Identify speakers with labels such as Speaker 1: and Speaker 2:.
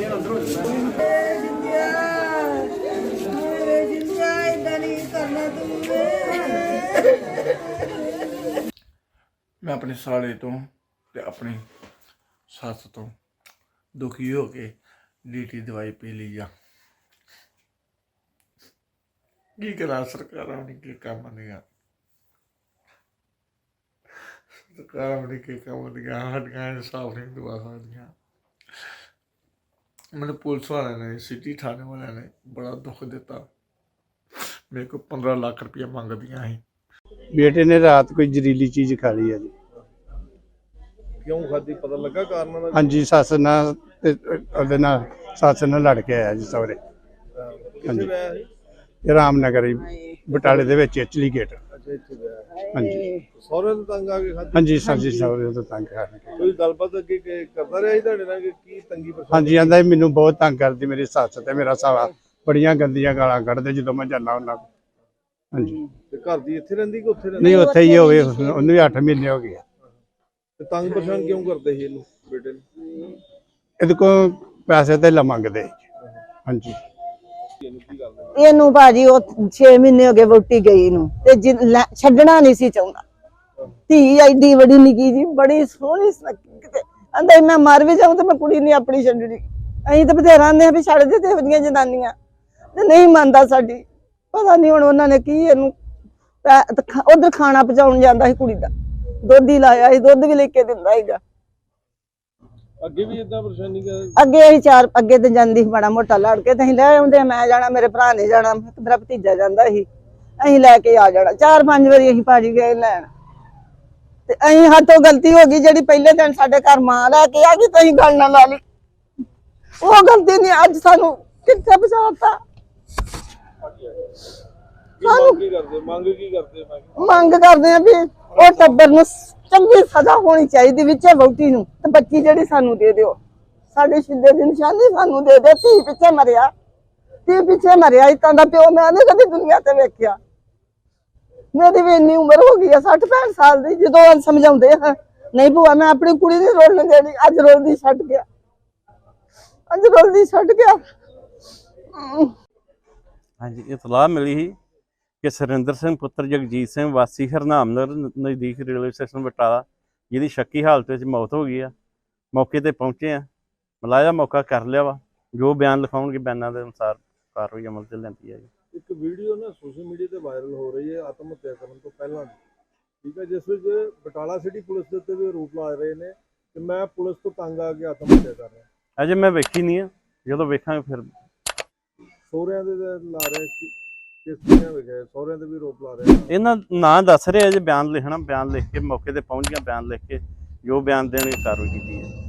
Speaker 1: मैं अपने साले तो ते अपनी सस तो दुखी हो के डीटी दवाई पी ली जा की करा सरकार के काम नहीं सरकार के काम नहीं हड्डियां इंसाफ नहीं दवा सकदियां मैंने पुलिस वाले ने सिटी थाने वाले ने बड़ा दुख दिता मेरे को 15 लाख रुपया मंग दिया ही
Speaker 2: बेटे ने रात कोई जहरीली चीज खा ली है जी।
Speaker 3: क्यों खाधी पता लगा कारण?
Speaker 2: हाँ जी सस नाल सस नाल लड़ के आया जी सौरे। हाँ जी रामनगर बटाले दे विच इचली गेट। हाँ जी
Speaker 3: सौरे तो तंग आके खाधी?
Speaker 2: हाँ जी सर जी सौरे तो तंग आ के
Speaker 3: कोई गलबात अगे करदा रहा तुहाडे नाल कि की तंगी परेशानी?
Speaker 2: हाँ जी आंदा मैनू बहुत तंग करदी मेरी सस ते मेरा साला बड़ियां गंदियां गालां कढदे जदों मैं जाना हुंदा। हाँ जी
Speaker 3: घर दी इत्थे रहिंदी कि उत्थे रहिंदी?
Speaker 2: नहीं उत्थे ही होवे उन्हें भी 8 महीने हो गए।
Speaker 3: ते तंग परेशान क्यों करदे ही इहनू बेटे नू?
Speaker 2: ਇਹਦੇ ਕੋ ਪੈਸੇ ਤੇ ਮੰਗਦੇ। ਹਾਂਜੀ
Speaker 4: ਇਹਨੂੰ ਭਾਜੀ ਉਹ 6 ਮਹੀਨੇ ਹੋ ਗਏ ਵੋਟੀ ਗਈ ਨੂੰ ਤੇ ਛੱਡਣਾ ਨਹੀਂ ਸੀ ਚਾਹੁੰਦਾ। ਧੀ ਐਡੀ ਵੱਡੀ ਨਿੱਕੀ ਜੀ ਬੜੀ ਸੋਹਣੀ ਕਿਤੇ ਆਂਦਾ ਮੈਂ ਮਰ ਵੀ ਜਾਊਂ ਤੇ ਮੈਂ ਕੁੜੀ ਨਹੀਂ ਆਪਣੀ ਛੱਡਣੀ। ਅਸੀਂ ਤਾਂ ਬਥੇਰਾ ਆਂਦੇ ਆ ਵੀ ਛੱਡ ਦੇ ਤੇ ਇਹਦੀਆਂ ਜਨਾਨੀਆਂ ਤੇ ਨਹੀਂ ਮੰਨਦਾ ਸਾਡੀ। ਪਤਾ ਨਹੀਂ ਹੁਣ ਉਹਨਾਂ ਨੇ ਕੀ ਇਹਨੂੰ ਉਧਰ ਖਾਣਾ ਪਹੁੰਚਾਉਣ ਜਾਂਦਾ ਸੀ ਕੁੜੀ ਦਾ ਦੁੱਧ ਹੀ ਲਾਇਆ ਸੀ ਦੁੱਧ ਵੀ ਲੈ ਕੇ ਦਿੰਦਾ ਸੀਗਾ।
Speaker 3: ਅੱਗੇ ਵੀ ਇਦਾਂ ਪਰੇਸ਼ਾਨੀ
Speaker 4: ਅੱਗੇ ਅਸੀਂ ਅੱਗੇ ਤੇ ਜਾਂਦੀ ਸੀ ਮਾੜਾ ਮੋਟਾ ਲੜ ਕੇ ਤੇ ਅਸੀਂ ਲੈ ਆਉਂਦੇ ਮੈਂ ਜਾਣਾ ਮੇਰੇ ਭਰਾ ਨੇ ਜਾਣਾ ਮੇਰਾ ਭਤੀਜਾ ਜਾਂਦਾ ਸੀ ਅਸੀਂ ਲੈ ਕੇ ਆ ਜਾਣਾ 4-5 ਵਾਰੀ ਅਸੀਂ ਭਾਜੀ ਗਏ ਲੈਣ ਤੇ ਅਸੀਂ ਹੱਥੋਂ ਗਲਤੀ ਹੋ ਗਈ ਜਿਹੜੀ ਪਹਿਲੇ ਦਿਨ ਸਾਡੇ ਘਰ ਮਾਂ ਲੈ ਕੇ ਆ ਗਈ ਤੇ ਅਸੀਂ ਗੱਲ ਨਾ ਲਾ ਲਈ ਉਹ ਗਲਤੀ ਨਹੀਂ ਅੱਜ ਸਾਨੂੰ ਕਿੱਥੇ ਪਹੁੰਚਾਤਾ। ਮੰਗ ਕਰਦੇ ਆ ਵੀ ਉਹ ਟੱਬਰ ਨੂੰ ਚੰਗੀ ਸਜ਼ਾ ਹੋਣੀ ਚਾਹੀਦੀ ਵਿੱਚ ਵਹੁਟੀ ਨੂੰ ਤੇ ਬੱਚੀ ਜਿਹੜੀ ਸਾਨੂੰ ਦੇ ਦਿਓ ਸਾਡੇ ਸ਼ਿੱਦੇ ਦੀ ਨਿਸ਼ਾਨੀ ਸਾਨੂੰ ਦੇ ਦਿਓ। ਧੀ ਪਿੱਛੇ ਮਰਿਆ ਇਤਾਂ ਦਾ ਪਿਓ ਮੈਂ ਨਹੀਂ ਕਦੀ ਦੁਨੀਆ ਤੇ ਵੇਖਿਆ। ਮੇਰੀ ਵੀ ਇੰਨੀ ਉਮਰ ਹੋ ਗਈ ਆ 60-65 ਸਾਲ ਦੀ ਜਦੋਂ ਸਮਝਾਉਂਦੇ ਆ ਨਹੀਂ ਭੂਆ ਮੈਂ ਆਪਣੀ ਕੁੜੀ ਨਹੀਂ ਰੋਲਣ ਦੇਣੀ ਅੱਜ ਰੋਲਦੀ ਛੱਡ ਗਿਆ।
Speaker 5: ਹਾਂਜੀ ਇਤਲਾਹ ਮਿਲੀ ਸੀ ਕਿ ਸੁਰਿੰਦਰ ਸਿੰਘ ਪੁੱਤਰ ਜਗਜੀਤ ਸਿੰਘ ਵਾਸੀ ਹਰਨਾਮਨਗਰ ਨਜ਼ਦੀਕ ਰੇਲਵੇ ਸਟੇਸ਼ਨ ਬਟਾਲਾ ਜਿਹਦੀ ਸ਼ੱਕੀ ਹਾਲਤ ਵਿੱਚ ਮੌਤ ਹੋ ਗਈ ਆ ਮੌਕੇ ਤੇ ਪਹੁੰਚੇ ਆ ਮਲਾਇਆ ਮੌਕਾ ਕਰ ਲਿਆ ਵਾ ਜੋ ਬਿਆਨ ਲਿਖਾਉਣਗੇ ਬਿਆਨਾਂ ਦੇ ਅਨੁਸਾਰ ਕਾਰਵਾਈ ਅਮਲ 'ਚ ਲੈਂਦੀ ਹੈ ਜੀ।
Speaker 3: ਇੱਕ ਵੀਡੀਓ ਨਾ ਸੋਸ਼ਲ ਮੀਡੀਆ ਤੇ ਵਾਇਰਲ ਹੋ ਰਹੀ ਹੈ ਆਤਮ ਹੱਤਿਆ ਕਰਨ ਤੋਂ ਪਹਿਲਾਂ ਠੀਕ ਹੈ ਜਿਸ ਵਿੱਚ ਬਟਾਲਾ ਸਿਟੀ ਪੁਲਿਸ ਦੇ ਉੱਤੇ ਵੀ ਆਰੋਪ ਲਾ ਰਹੇ ਨੇ ਕਿ ਮੈਂ ਪੁਲਿਸ ਤੋਂ ਤੰਗ ਆ ਕੇ ਆਤਮ ਹੱਤਿਆ ਕਰ ਰਿਹਾ।
Speaker 5: ਅਜੇ ਮੈਂ ਵੇਖੀ ਨਹੀਂ ਆ ਜਦੋਂ ਵੇਖਾਂਗੇ ਫਿਰ
Speaker 3: ਸਹੁਰਿਆਂ ਦੇ ਲਾ ਰਹੇ ਕਿਸ ਤਰ੍ਹਾਂ ਵੇਖਿਆ ਸਹੁਰਿਆਂ ਦੇ ਵੀ ਆਰੋਪ ਲਾ ਰਹੇ
Speaker 5: ਇਹਨਾਂ ਨਾਂ ਦੱਸ ਰਹੇ ਅਜੇ ਬਿਆਨ ਲਿਖਣਾ ਬਿਆਨ ਲਿਖ ਕੇ ਮੌਕੇ ਤੇ ਪਹੁੰਚ ਗਿਆ ਬਿਆਨ ਲਿਖ ਕੇ ਜੋ ਬਿਆਨ ਦੇਣਗੇ ਕਾਰਵਾਈ ਕੀਤੀ ਹੈ।